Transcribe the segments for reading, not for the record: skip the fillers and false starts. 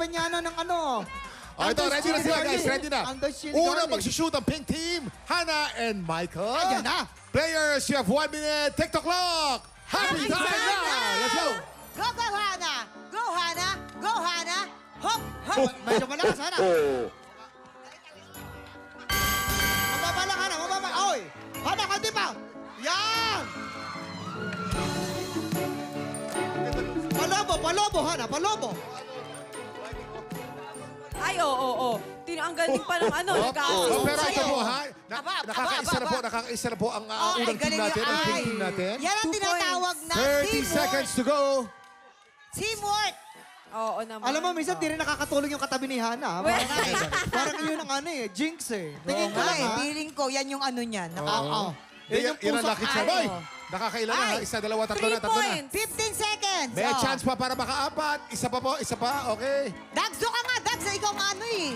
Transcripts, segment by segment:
Peñano ng ano. Ito, ready na sila guys, ready na. Una Mag magsushoot ang pink team, Hannah and Michael. Ayan na. Players, you have 1 minute. TikTok clock. Happy time now. Let's go. Go, go, Hana! Go, Hana! Go, Hana! Hop, hop! Medyo malakas, Hana. Mababa lang, Hana. Mababa. Oy! Hana, kandi pa. Yan! Palobo, palobo, Hana. Palobo. Ay, oo. Ang galing pa ng ano, nag-aasist Oh, pero ito sa'yo. po ha, Aba, nakakaisa na po ang Ay, unang team galing natin, ang yan. pink team natin. Yan ang 2 tinatawag na 30 teamwork. seconds to go. Teamwork! Oo naman. Alam mo, minsan di rin nakakatulong yung katabi ni Hana. Parang yun ang ano eh, jinx eh. Tingin ko lang ha. Feeling ko, yan yung ano niyan. Oo. Yan ang lucky charm. Oy, nakakailan na ha? Ay. Isa, dalawa, tatlo 3 na, tatlo na. points. 15 seconds. May chance pa para makaapat. Isa pa po, isa pa. Okay. Dags, doon ka nga. Dags, ikaw nga ano eh.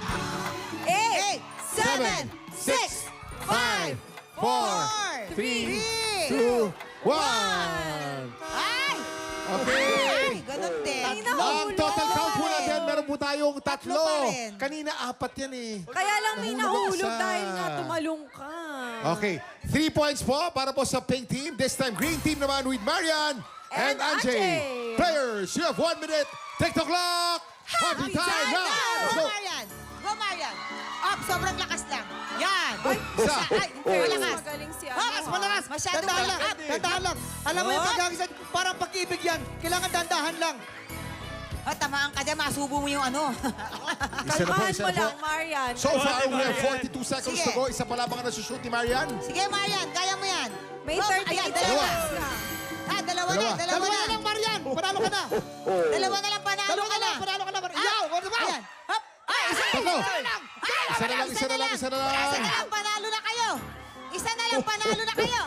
8, 7, 6, 5, 4, 3, 2, 1. Ay! Okay. Ay, ganun din. Ay, Ang total count po natin, meron po tayong Tatlo tatlo. pa rin. Kanina, apat yan eh. Kaya lang may Nahulog nahulog isa. dahil nga tumalong ka. Okay, 3 points po para po sa pink team. This time, green team naman with Marian and And Anjay. Anjay. Players, you have 1 minute. TikTok clock. Happy time now. Let's Go, go. Marian! Go, Marian! Up, sobrang lakas lang. Yan! Isa. Ay, malakas. Magaling si Malakas, malakas. Masyadong Dandahan lang. malakas. Dandahan lang. Alam mo yung Oh. pagkakisan, parang pag-ibig yan. Kailangan dandahan lang. Oh, tamaan ka dyan, masubo mo yung ano. Isa na po, Kalmahan isa mo na po. lang, Marian. So far, we have 42 seconds Sige. to go. Isa pa lamang ang nasushoot ni Marian. Sige, Marian, kaya mo yan. May Go, 38 ayan, Dalawa. seconds lang. Dalawa na, Dalawa. dalawa Dalawa na. na lang, Marian. Panalo ka na. Dalawa na lang, panalo Dalawa ka na. Panalo ka na. Ah, Yaw, ano ba? Ayan. Hop. Ay, isa Tatlo. Isa na lang. Isa na lang, isa na lang, isa na lang. Isa na lang, panalo na kayo. Isa na lang, panalo na kayo.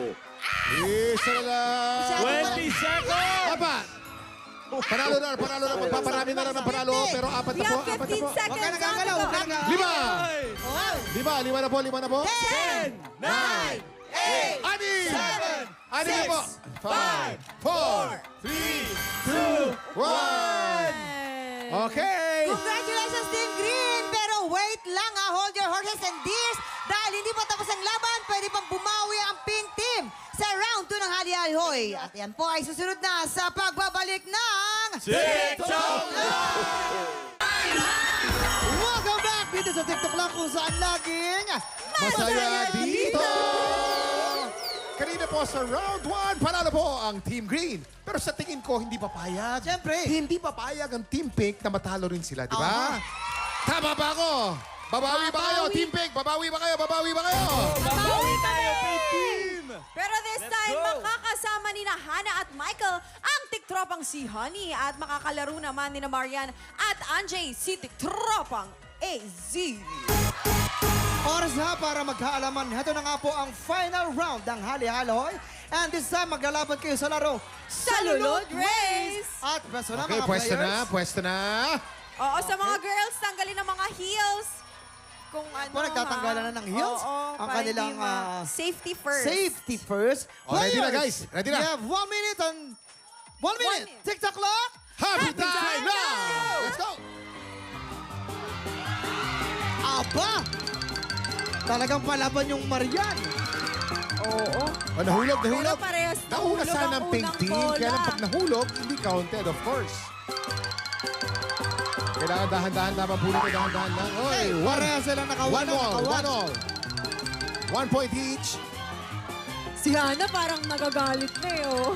Isa na lang. 20 seconds! Apat. Panalo na, panalo na. Magpaparami na lang ng panalo. Pero apat We na po, have apat na 15 po. Huwag ka seconds on the nagagalaw. Huwag ka clock. nagagalaw. Lima. Oh. Lima na po, lima na po. 10, 9, 8, Ani! 7, Ani na po. 5, 4, 3, 2, 1. Okay. Congratulations, Team Green! Pero wait lang ha, hold your horses and deers dahil hindi pa tapos ang laban, pwede pang bumawi ang pink team sa round 2 ng Hali-Hali-Hoy. At yan po ay susunod na sa pagbabalik ng... TikTok! Welcome back dito sa TikTok lang kung saan laging Masaya dito. Kanina po sa round 1, panalo po ang Team Green. Pero sa tingin ko, hindi papayag. Siyempre. Hindi papayag ang Team Pink na matalo rin sila, di ba? Tama ba ako? Babawi ba kayo, Babawi. Team Pink? Babawi ba kayo? Babawi ba kayo? Babawi tayo, pink team! Pero this Let's time, go. makakasama ni na Hannah at Michael ang tiktropang si Honey at makakalaro naman ni na Marian at Anjay si tiktropang AZ. Oras na para magkaalaman. Ito na nga po ang final round ng Hali-Hali-Hoy. And this time, maglalaban kayo sa laro Salulod Race! At pwesto na Okay, mga pwesto players. na, pwesto na. Oo, sa mga girls, tanggalin ang mga heels. Kung ano, Po, nagtatanggalan na ng heels? Oo, Ang para kanilang, hindi safety first. Safety first. Oh, ready na, Players, guys. Ready na. We have 1 minute and 1 minute. minute. TikTok clock. Happy time time now! now! Let's go! Aba! Talagang palaban yung Marian. Oo. Oh, nahulog, nahulog. Pero parehas Nauna nahulog sana ang ang pink unang team. bola. Kaya lang pag nahulog, hindi counted, of course. Kailangan dahan-dahan naman po nito, dahan-dahan lang. Oy, Pareha silang one nakawan. all, one all. 1 point each. Si Hannah parang nagagalit na eh, oh.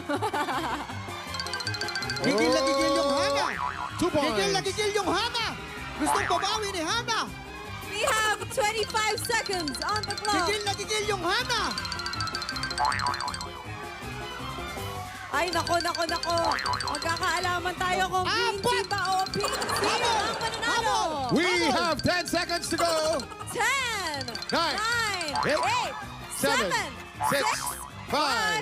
Gigil na gigil yung Hana. 2 points. Gigil na gigil yung Hana. Gustong babawi ni Hana. We have 25 seconds on the clock. Gigil na gigil yung Hana. Ay, nako. Magkakaalaman tayo kung green Apat! team ba o pink team ang mananalo. We have 10 seconds to go. 10, 9, 8, 8, 7, 7, 6, 5,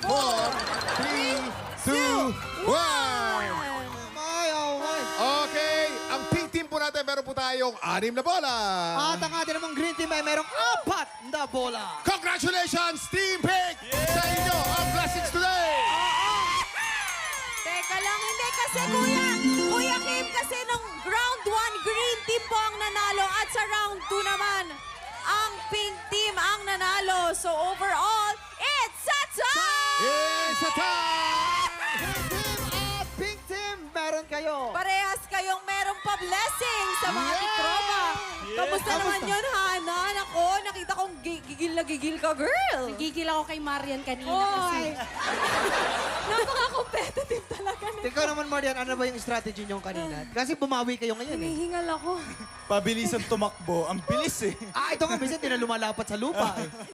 4, 3, 2, 1. Ay, oh, ay. Okay, ang pink team po natin, meron po tayong 6 na bola. At ang ating namang green team ay merong 4 na bola. Congratulations, Team Pink! Sa inyo ang blessings today! Teka lang, hindi kasi kuya game kasi nung round 1, green team po ang nanalo at sa round 2 naman, ang pink team ang nanalo. So overall, it's a tie! It's a tie! Green team at pink team, meron kayo. Parehas kayong merong pa-blessing sa mga tiktropa. Kamusta naman yun, Hana? Nako, nakita kong gigil na gigil ka, girl. Gigil ako kay Marian kanina kasi. Napaka-competitive talaga na. Ikaw naman, Marian, ano ba yung strategy nyo kanina? Kasi bumawi kayo ngayon eh. Hinihingal ako. Pabilisan tumakbo. Ang bilis eh. Ito nga, minsan di na lumalapat sa lupa eh.